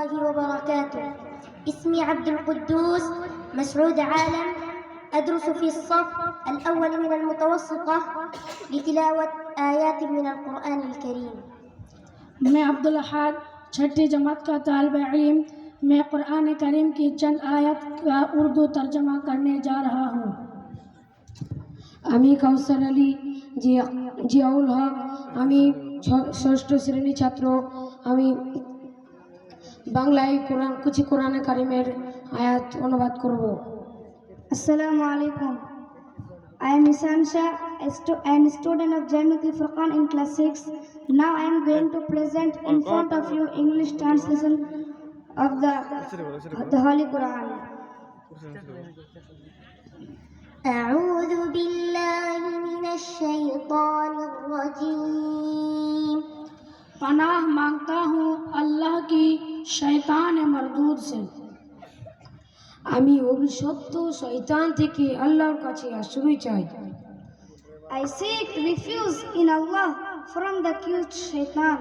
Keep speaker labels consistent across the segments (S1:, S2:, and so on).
S1: الله وبركاته. اسمي عبد القدوس مسعود عالم، أدرس في الصف الأول من المتوسطة لتلاوة آيات من القرآن الكريم.
S2: मैं अब्दुल अहद छठी जमात का तालिब इल्म। मैं कुरान करीम की चंद आयत का उर्दू तर्जमा करने जा रहा हूँ।
S3: আমি কাউসার আলী জিয়াউল হক, আমি ষষ্ঠ শ্রেণী ছাত্র। আমি বাংলায় কিছু কোরআনে কারিমের আয়াত অনুবাদ করব।
S4: Assalamu alaikum. I am Nisan Shah, I am a student of Jamiatul Furqan in class 6. Now I am going to present in front of you English translation of the Holy Quran.
S1: أعوذ بالله من الشيطان الرجيم।
S2: पनाह मांगता हूँ अल्लाह की शैतान मरदूद से।
S3: আমি অভিশপ্ত শয়তান থেকে আল্লাহর কাছে আশ্রয় চাই।
S4: I seek refuge in Allah from the cute shaitan.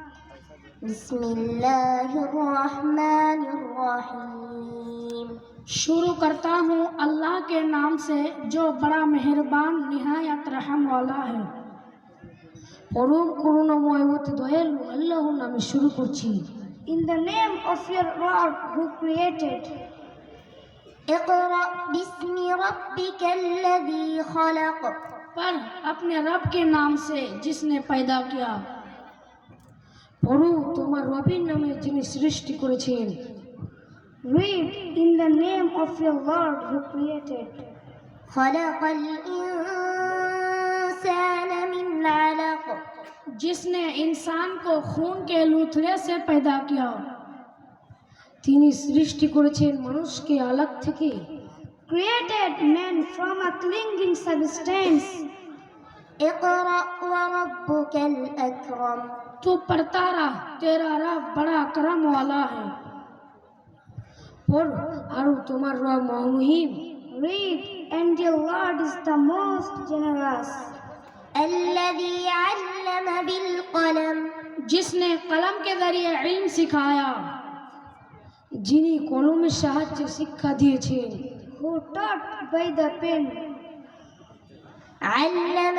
S1: बिस्मिल्लाहिर्रहमानिर्रहीम।
S2: शुरू करता हूँ अल्लाह के नाम से जो बड़ा मेहरबान निहायत रहम वाला है।
S3: পরম করুণাময় অতি দয়ালু আল্লাহর নামে শুরু করছি।
S4: In the name of your Lord who created.
S1: اقرأ باسم ربك الذي خلق।
S2: पर अपने रब के नाम से जिसने पैदा किया।
S3: পড়ো তোমার রবের নামে যিনি সৃষ্টি করেছেন।
S4: Read in the name of your Lord who created.
S1: خلق الإنسان من علق।
S2: जिसने इंसान को खून के लूथड़े से पैदा किया।
S3: তিনি সৃষ্টি করেছেন মানুষকে আলাক থেকে।
S4: Created man from a clinging substance.
S1: اقرأ وربك الأكرم।
S2: तू पढ़ता रह, तेरा रब बड़ा करम वाला है।
S3: পড় আর তোমার রব Mahim.
S4: Read, and your Lord is the most generous.
S1: الذي علم بالقلم।
S2: जिसने कलम के जरिए इल्म सिखाया।
S3: যিনি কলমের সাহায্যে শিক্ষা দিয়েছেন।
S4: Who taught by the pen.
S1: علم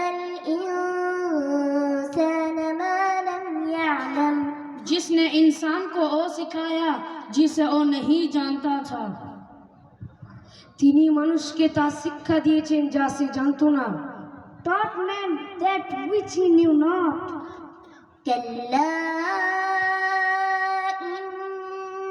S1: الإنسان ما لم يعلم।
S2: जिसने इंसान को वो सिखाया जिसे वो नहीं जानता था।
S3: তিনি মানুষকে তা শিক্ষা দিয়েছেন যা সে জানতো না।
S4: Taught man that which he knew not.
S1: كلا إن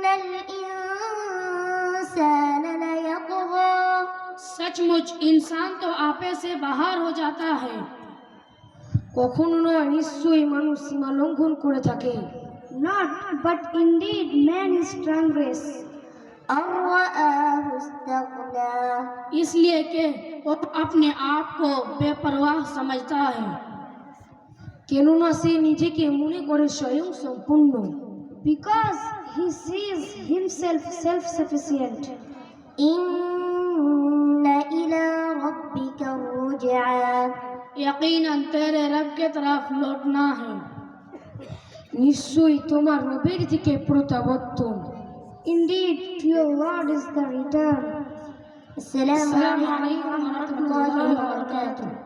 S1: الإنسان ليطغى।
S2: सचमुच इंसान तो आपे से बाहर हो जाता है।
S3: কখনো নয়, নিশ্চয়ই মানুষ সীমা লঙ্ঘন করে থাকে।
S4: Not, but indeed man is transgress.
S1: أن رآه استغنى।
S2: इसलिए कि वो अपने आप को बेपरवाह समझता है।
S3: কেননা সে নিজেকে মনে করে স্বয়ং সম্পূর্ণ।
S4: Because he sees himself self-sufficient.
S1: إن إلى ربك الرجعى।
S2: यकीनन तेरे रब के तरफ लौटना है।
S3: নিশ্চয়ই তোমার রবের দিকে প্রত্যাবর্তন।
S4: Indeed, to your Lord is the return.
S1: السلام عليكم ورحمة الله وبركاته.